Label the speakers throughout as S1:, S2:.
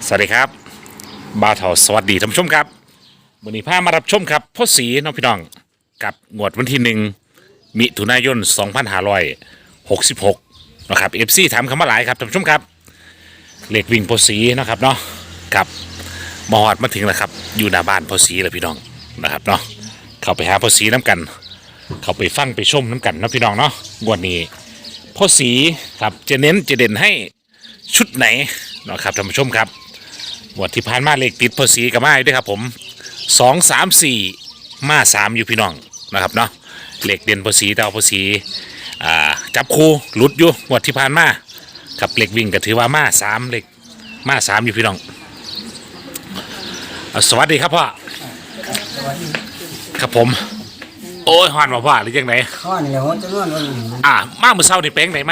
S1: สวัสดีครับบ่าวเถาสวัสดีท่านผู้ชมครับวันนี้พามารับชมครับพ่อสีน้องพี่น้องกับงวดวันที่1 มิถุนายน 2566นะครับเอฟซีถามคำว่าหลายครับท่านผู้ชมครับเลขวิ่งพ่อสีนะครับเนาะกับมอดมาถึงแล้วครับอยู่หน้าบ้านพ่อสีแล้วพี่น้องนะครับเนาะเข้าไปหาพ่อสีน้ำกันเข้าไปฟังไปชมน้ำกันนะพี่น้องเนาะงวดนี้พ่อสีครับจะเน้นจะเด่นให้ชุดไหนนะครับท่านผู้ชมครับงวดที่ผ่านมาเลขติดพอสีกับมาด้วยครับผม2 3 4มา3อยู่พี่น้องนะครับเนาะเลขเด่นพอสีแต่เอาพอสีจับคู่หลุดอยู่งวดที่ผ่านมากับเลขวิ่งก็ถือว่ามา3เลขมา3อยู่พี่น้องสวัสดีครับพ่อครับผมโอ้ยฮอนมาพ่อหรือยังไง
S2: ข้อนี่แหละหัวจะนวลวันนี้
S1: มาเมื่อเช้านี่เป้งไหนมา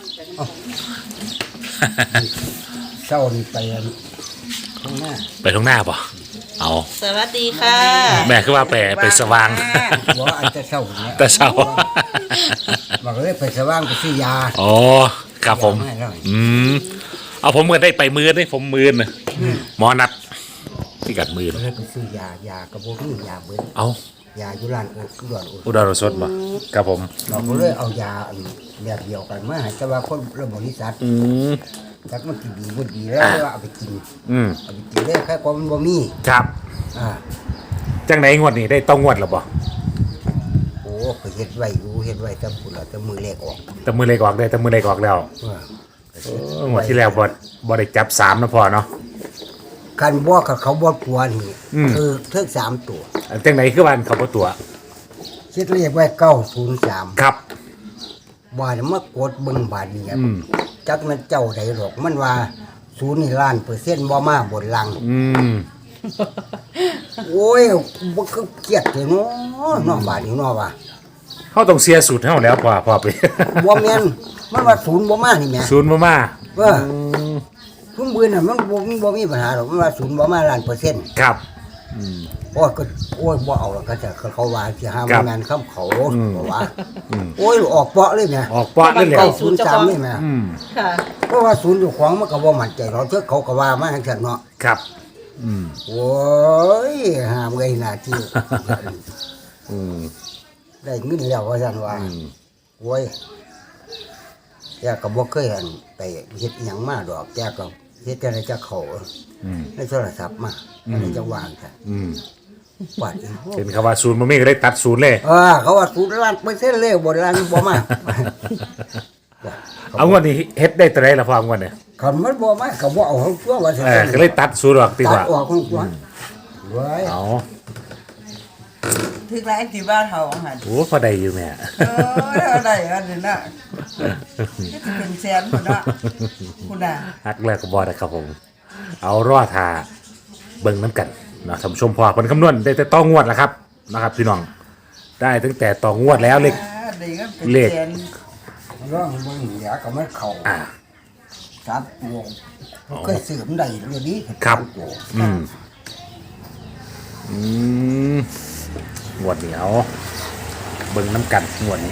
S2: เศร้านี่ไปข้างหน้า
S1: ไปตรงหน้าป่ะเอา
S3: สวัสดีค่ะ
S1: แม่คือว่าไปสว่าง
S2: บอกอาจจะเศร้าเนี่ย
S1: แต่เช้า
S2: บอกเลยไปสว่างไปซื้อยา
S1: อ๋อครับผม
S2: ให้หน่อย
S1: เอาผมก็ได้ไปมือนี่ผมมือนะหมอนัดที่กัดมือ
S2: เลยไปซื้อยากระโบกนี่ยาเบิ้ล
S1: เอา
S2: ยาอยู่ร้านอุดร
S1: อุดรสดป่ะครับผม
S2: เราก็เลยเอายาแบบเดียวกันมาให้แต่ว่าคนระบริษัทจักมันกินดีบ่ดีแล้วว่าเอาไปกินเอาไปกินได้แค่ความมันบ่มี
S1: ครับ จังไหนงวดนี้ได้ต้องงวดหรอป่ะ
S2: โอ้ไปเฮ็ดไว้อยู่เฮ็ดไว้แต่พุ่นละแต่มือเล็กออก
S1: แต่มือเล็กออกได้แต่มือเล็กออกแล้วงวดที่แล้วบ่ได้จับ3นะพอเนาะ
S2: คันบ่กับเขาบ่กลัวนี่คือเทิง3ตัว
S1: จังไหนคือวันเขาบ่ตัว
S2: คิดเรียกไว้903
S1: ครับ
S2: บาดมากดเบิ่งบาดนี้จักมันเจ้าใดหรอกมันว่า0นี่ล้านเปอร์เซ็นต์บ่มาบนลังโอ้ยบ่คือเครียดเลยเนาะเนาะบาดนี้เนาะว่า
S1: เขาต้องเสียสูตรเฮาแล้วพอไป
S2: บ่แม่นมันว่า0บ่มานี่แหม
S1: ศูนย์บ่มา
S2: ทุ่มปืนน่ะมันบ่มีปัญหาหรอกมันว่า0บ่มาล้านเปอร์เซ็นต์
S1: ครับ
S2: โอ้ยก็โอ้ยบ่เอาแล้วก็จะเขาว่าสิหาบ่แม่นคำเขาบ่ว่าโอ้ยออกเปาะเลยแหม
S1: ออกปอดได้แล้ว
S2: 903นี่แหม
S3: ค่ะ
S2: เพราะว่า0อยู่ของมันก็บ่มั่นใจเราเถอะเขาก็ว่ามาจังซั่นเนาะ
S1: ครับ
S2: โอ้ยหามไงหน้าที่ได้เงินแล้วว่าซั่นว่าโอ้ยแกก็บ่เคยเห็นไปเฮ็ดหยังมาดอกแกก็เฮ็ดแต่ได้จะเข้าในโทรศัพท์มาในจะวางค่ะปาดอีก
S1: เป็นคำว่าศูนย์มันไม่ก็ได้ตัดศูนย์เลย
S2: เขาว่า0ล้านเปอร์เซ็นต์เลยบ่ล้านบ่มา
S1: เอางวดนี้เฮ็ดได้ตัวไหนละพองวดเนี่ย
S2: คันมันบ่มาก็บ่เอาของตัวว่าซั่น
S1: ก็เลยตัดศูนย์ออกดีก
S2: ตั
S1: ว่า
S2: ดออกของตัวเว้ย
S1: เอา
S3: ถึงไรที่บ้านเฮาหัน
S1: โอ้พอได้อยู่แม่
S3: อะไรอันนี้น่ะเป็นแสนพุ่นน่ะคุณน่ะ
S1: ฮักแรกก็บอได้ครับผมเอารอดทาเบิ่งน้ำกันนะท่านผู้ชมพอผลคำนวณได้แต่ต้องงวดแล้วครับนะครับพี่น้องได้ตั้งแต่ต่องวดแล้วเลข
S3: ได้ก็เป็น
S1: เลข
S3: แสน
S2: ร้องเบิ่งเดี๋ยวก็มันเข้า3ตัวเคยซื้อมันได้เรื่องนี้
S1: ครับ
S2: ตัว
S1: งวดเหนียวเบิ่งน้ำกันงวดนี้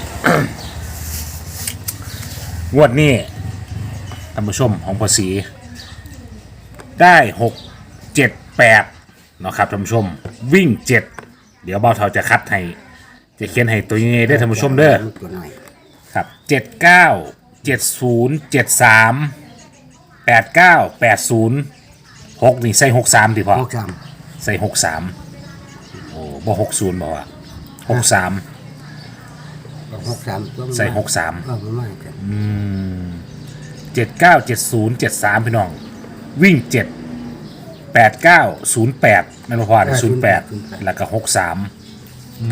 S1: งวดนี้ท่านผู้ชมของภาษีได้6 7 8เนาะครับท่านผู้ชมวิ่ง7เดี๋ยวเบาเท่าจะคัดให้จะเขียนให้ตัวยังไงได้อท่านผู้ชมเด้อ
S2: ตัวน้อย
S1: ครับ79 70 73 89 80 6นี่ใส่63ดิพ่อ
S2: 63
S1: ใส่63โอ้บ่60บ่ว่า63
S2: 63
S1: ใส่63
S2: มันมากัน
S1: 79 70 73พี่น้องวิ่ง7 89 08นั่นบ่พอนะ08แล้วก็63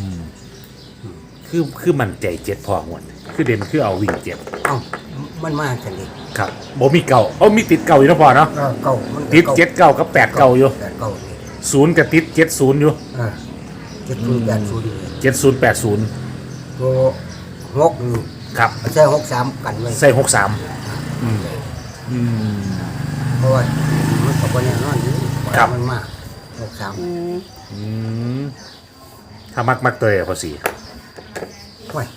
S1: คือมันใจ7พอหมดคือเด่นคือเอาวิ่ง7
S2: เอ้ามันมากันดิ
S1: ครับบ่มีเก่ามีติดเก่าอยู่เนาะพอเนาะ
S2: เก่ามัน
S1: ติด7เก่ากับ8เก่าอยู่
S2: เก่า
S1: 0กับติด70อยู่
S2: 70 80
S1: 70 80
S2: ตัว6นี่
S1: ครับ
S2: ใช้63กันไว้
S1: ใส่63
S2: เพราะว่ามันก็บ่แน่นอนอยู่
S1: ครับ
S2: มันมา63
S1: ถ้ามักตัวพอสี
S2: โอ้ย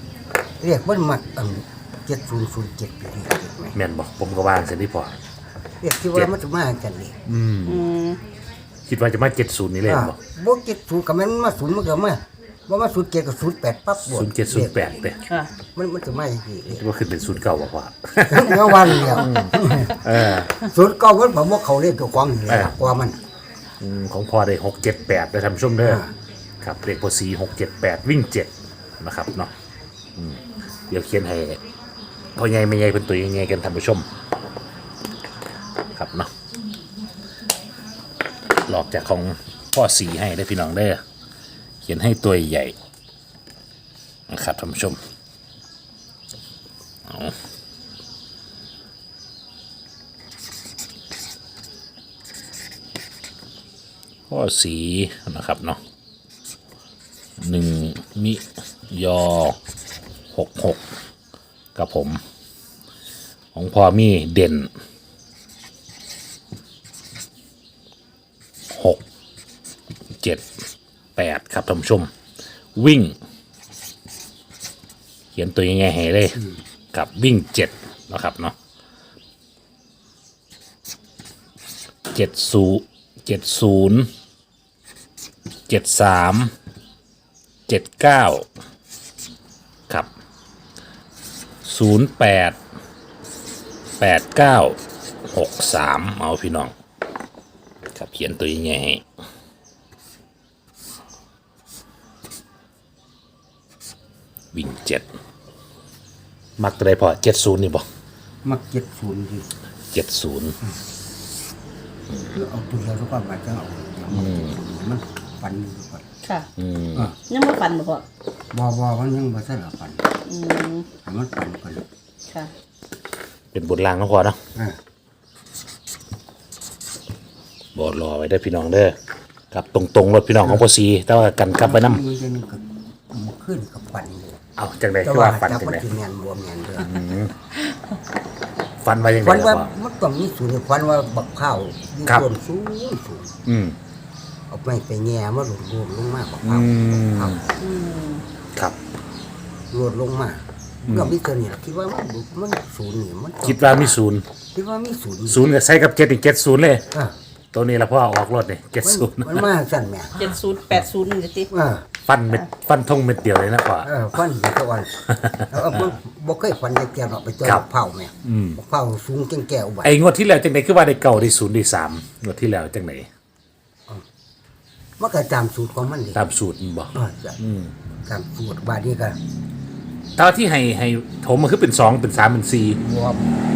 S2: เรียกมันมัก7007ไปนี่เห็นไหม
S1: แม่นบอกผมก็วางเส้นที่พอ
S2: เรียกที่ว่ามันจะมากันเลย
S3: อืม
S1: คิดว่าจะมา70นี่เลยบ่
S2: บ่เจ็ดศูนย์กับมันมาศูนย์มันก็มาบ่มาศูนย์เจ็ดกับศูนย์แปดปั๊บบ่
S1: 0708เด้
S3: ค่ะ
S2: มันจะมาอย่างนี้เลย
S1: ว่าขึ้นเป็น09บ่พ่อ
S2: เมื่อวันเดียว
S1: เออ
S2: ศูนย์เก้ามันบ่เขาเล่นตัวควางนี่แหละกว่ามัน
S1: ของพ่อได้678ได้ท่านผู้ชมเด้อครับเลขพอสี678วิ่ง7นะครับเนาะเดี๋ยวเขียนให้พ่อใหญ่แม่ใหญ่เพิ่นตัวใหญ่ๆกันท่านผู้ชมครับเนาะหลอกจากของพ่อสีให้ได้อพี่น้องเด้อเขียนให้ตัวใหญ่นะครับท่านผู้ชมเอาพ่อสีนะครับเนาะ1มิยอ66กับผมของพ่อมีเด่น6 7 8ครับท่านผู้ชมวิ่ง เขียนตัวยังไงให้เลยกับวิ่ง7นะครับเนาะ70 73 79ครับ08 89 63เอาพี่น้องครับเขียนตัวยังไงให้วิ่ง7มักตัวใดพอ70นี่บ่
S2: มักเจ็ดศูนย์ดิ
S1: 70
S2: เอาตัวเดียวทุกคนมาจะเอามันปันอยู่ก่อน
S3: ค่ะ
S2: อ่ะ
S3: ยังบ่ฟันบ่พ่อ
S2: บ่มันยังบ่ใช่หรอปัน
S3: อืม
S2: ให้มันปันก่อน
S3: ค่ะ
S1: เป็นบทลางเนาะพอเนาะ
S2: อ่า
S1: บอดรอไว้ได้อพี่น้องเด้อกับตรงๆรถพี่น้องของพอสีแต่ว่ากันกลับไปน้
S2: มันจะนึงกับมันขึ้นกับปันเลย
S1: ำเอาจังได
S2: แต่
S1: คือ
S2: ว่า
S1: ว่าฟัน
S2: จับ
S1: จัง
S2: มัน
S1: ได
S2: สิแม่นบ่แม่นเด้อ
S1: ฟันไว้ยังไง
S2: ควันว่า
S1: พ่อ
S2: มันต้องมีศูนย์ควันว่าบักข้าวมี
S1: ครับ
S2: ส่วนสูงสูง
S1: อืม
S2: เอาไปแง่มาหลุดรวมลงมาบัก
S1: อื
S2: ข้าว
S1: ม
S3: อืม
S1: ครับ
S2: รวดลงมาก็มีตัวนี้ล่ะคิดว่ามันศูนย์นี่มันต้อง
S1: คิดว่ามีศูนย์
S2: คิดว่ามีศูนย์
S1: ศูนย์กับใส่กับ7นี่70เลย
S2: อ่ะ
S1: ตัวนี้ละพ่อออกรถนี่
S2: มันมาสั่นแหม่
S3: 70 80นี่ติ
S2: อ่า
S1: 70ฟันเม็ดฟันทงเม็ดเดียวเลยนะพ่อ
S2: ฟันอยู่ตะวันมันบ่เคยฟันแก่ๆหรอกไปเจอ
S1: ครับ
S2: บักเผาแม่บักเผาสูงแก่ๆอุบัติ
S1: ไอ้งวดที่แล้วจังไดคือว่าได้เก่าได้ศูนย์ได้3งวดที่แล้วจังได
S2: มันก็ตามสูตรของมันดิ
S1: ตามสูตรมันบอก
S2: จ้ะตามสูตรบาดนี้ก็
S1: ตอนที่ให้ผมมันคือเป็น2เป็น3เป็น4
S2: บวก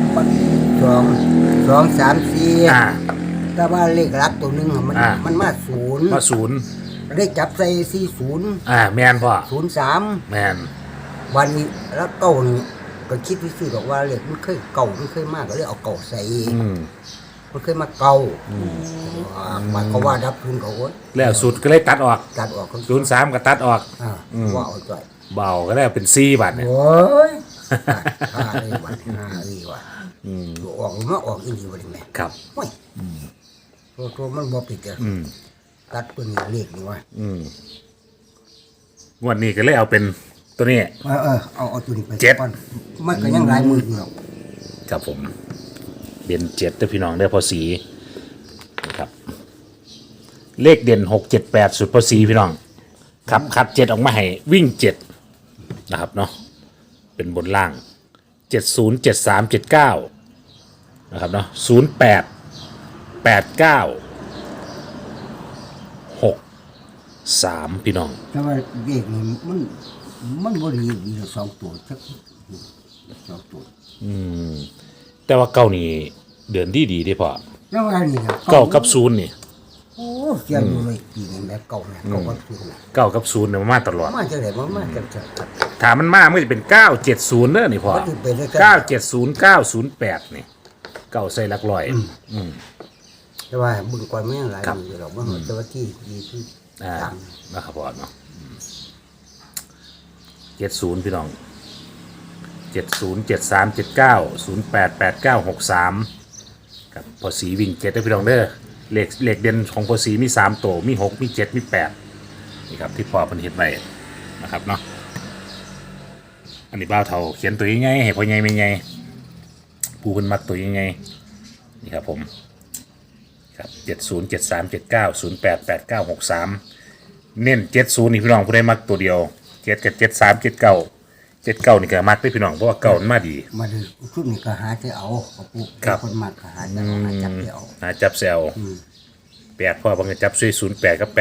S2: สองสามสี่
S1: อ่า
S2: แต่ว่าเลขหลักตัวหนึงอะมัน
S1: อ่า
S2: มันมาศูนย์
S1: มาศูนย์
S2: ได้จับใส่40
S1: แมนพ่อ
S2: 03
S1: แมน
S2: วันนี้แล้วเก่านี่ก็คิดวิธีบอกว่าเลขมันเคยเก่ามันเคยมากก็เลยเอาเก่าใส่
S1: อืม
S2: มันเคยมาเก่าหมายความว่าดับทุนเขาโอ้ย
S1: แล้วสูตรก็เลยตัดออก
S2: ตัดออกก็
S1: 03ก็ตัดออก
S2: ว่าเอาจ่อย
S1: เบาก็ได้เป็น4บาทเนี่ย
S2: โอ้ยห้าเลยวันห้าเลยวันตัวออกมาออกอีกทีวันนี้แม่
S1: ครับ
S2: โอ้ยตัวมันบ่ปิดอะตัดตัวนี้เลขนี่ว่า
S1: งวดนี้ก็เลยเอาเป็นตัวนี้
S2: เอาตัวนี้ไป
S1: เจ็ด
S2: ก่อนมันก็ยังหลายมืออยู่หรอก
S1: ครับผมเด่น7เด้อพี่น้องเด้อพอสีนะครับ เลขเด่น678สุดพอสีพี่น้องครับคัด7ออกมาให้วิ่ง7นะครับเนาะเป็นบนล่าง70 73 79นะครับเนาะ08 89 63พี่น้อง
S2: แต่ว่าเลขนี่มันบ่ดีมีสองตัวสักสองตัว
S1: แต่ว่าเก้านี่เดือนดีได้พอ
S2: แล้วว่านี่นะ
S1: เก้ากับศูนย์นี่
S2: โอ้เสียอยู่เลยปีนี้แม่เก่าเนี่ยเก่ากับศูนย์น่ะ
S1: เก้ากับศูนย์เนี่ยมันมาตลอด
S2: มาจังได๋มาจังจะ
S1: ถามมันมากมันจะเป็น970เด้อนี่พอ
S2: มันสิเป็นได้กัน
S1: 970 908นี่เก้าใส่หลักร้อย
S2: แต่ว่าเบึงก่อนมันยังหลายมืออยู่หรอกมันแต่ว่าที่ดีที่ ตาม
S1: นะครับพอเนาะ70พี่น้อง70 73 79 08 89 63กับพอสีวิ่ง7เด้อพี่น้องเด้อเลขเด่นของพอสีมี3ตัวมี6มี7มี8นี่ครับที่พอเพิ่นเฮ็ดไว้นะครับเนาะอันนี้บ้าวเฒ่าเขียนตัวยังไงให้พ่อใหญ่แม่ใหญ่ผู้เพิ่นมักตัวยังไงนี่ครับผมครับ707379088963เน้น70นี่พี่น้องผู้ใดมักตัวเดียว7กับ7379นี่ก็มักได้พี่น้องเพราะว่าเก่ามันมาดี
S2: มาดูชุดนี้ก็หาที่เอากับปุ๊
S1: ครับ
S2: คนมากก็หาจะเอาหาจับที่เอา
S1: หาจับแซว8พ่อบางทีจับซุย08กับ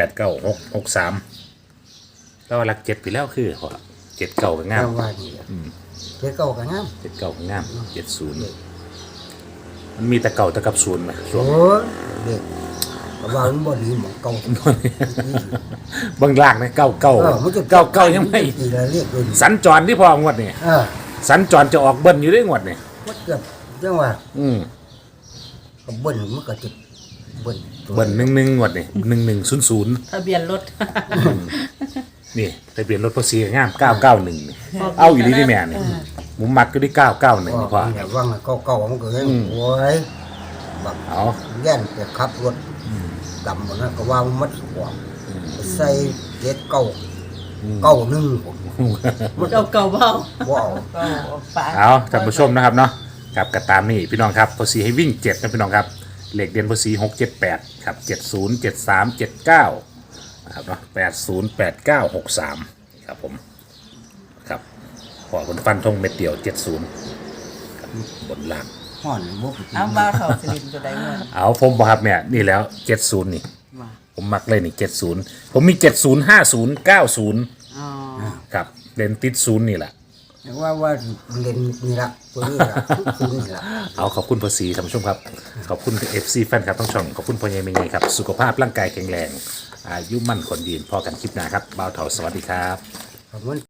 S1: 8963แล้วว่าหลัก7ไปแล้วคือพอ7เก่าก็งาม
S2: แต่ว่านี่เจ้าเก่าก็งาม
S1: 7เก่าก็งาม70มันมีแต่เก่าแต่กับศูนย์ไหมช่วง
S2: โอ้ยเด็กก็ว่ามันบ่ดีหมองเก่า
S1: บางล่างนะเก้าเก้า
S2: มันจะ
S1: เก้าเก้ายังไม่
S2: ตีละเรียกเลย
S1: สัญจรที่พองวดนี่ สัญจรจะออกเบิ้ลอยู่ด้วยงวดนี่
S2: มันเกือบจังว่า
S1: อืม
S2: ก็เบิ้ลมันก็จะเบิ้ลตัว
S1: เบิ้ล11งวดนี่1100
S3: ทะเบียนรถ
S1: นี่ทะเบียนรถภาษีงาม991นี่เอาอยู่ดีที่แม่นี่มุมมักก็ได้991นี่พ่อ
S2: เนี่ยว่างเก่าๆมันก็ยังโอ้ยแบบ
S1: เอา
S2: แย่นไปขับรถดำหมดนะก็ว่ามันสวมใส่เจ็ดเก้าหนึ่งผม
S3: เก่าเบา
S2: ว้าว
S3: เก่าฝา
S1: เอาท่านผู้ชมนะครับเนาะครับกระตามนี่พี่น้องครับภาษีให้วิ่ง7นะพี่น้องครับเลขเด่นภาษี678ครับ707379นะครับเนาะ808963ครับผมครับพอคนฟันทงเม็ดเดียว70ครับบนล่าง
S2: ห่อนบก
S3: เอามาเข้าสลิมตัวใดเงิน
S1: เอาผมบอกครับเนี่ยนี่แล้ว70นี่
S3: มา
S1: ผมมักเลยนี่70ผมมี70 50 90
S3: อ๋อ
S1: ครับเด่นติดศูนย์นี่แหละ
S2: ว่าเรียนนี่ละตัวนี้ละคือนี่ละ
S1: เอาขอบคุณภาษีท่านผู้ชมครับ ขอบคุณ FC แฟนครับต้องช่องขอบคุณพ่อใหญ่แม่ใหญ่ครับสุขภาพร่างกายแข็งแรงอายุมั่นคนยืนพอกันคลิปหน้าครับบ่าวเถาสวัสดีครับ
S2: ผมมัน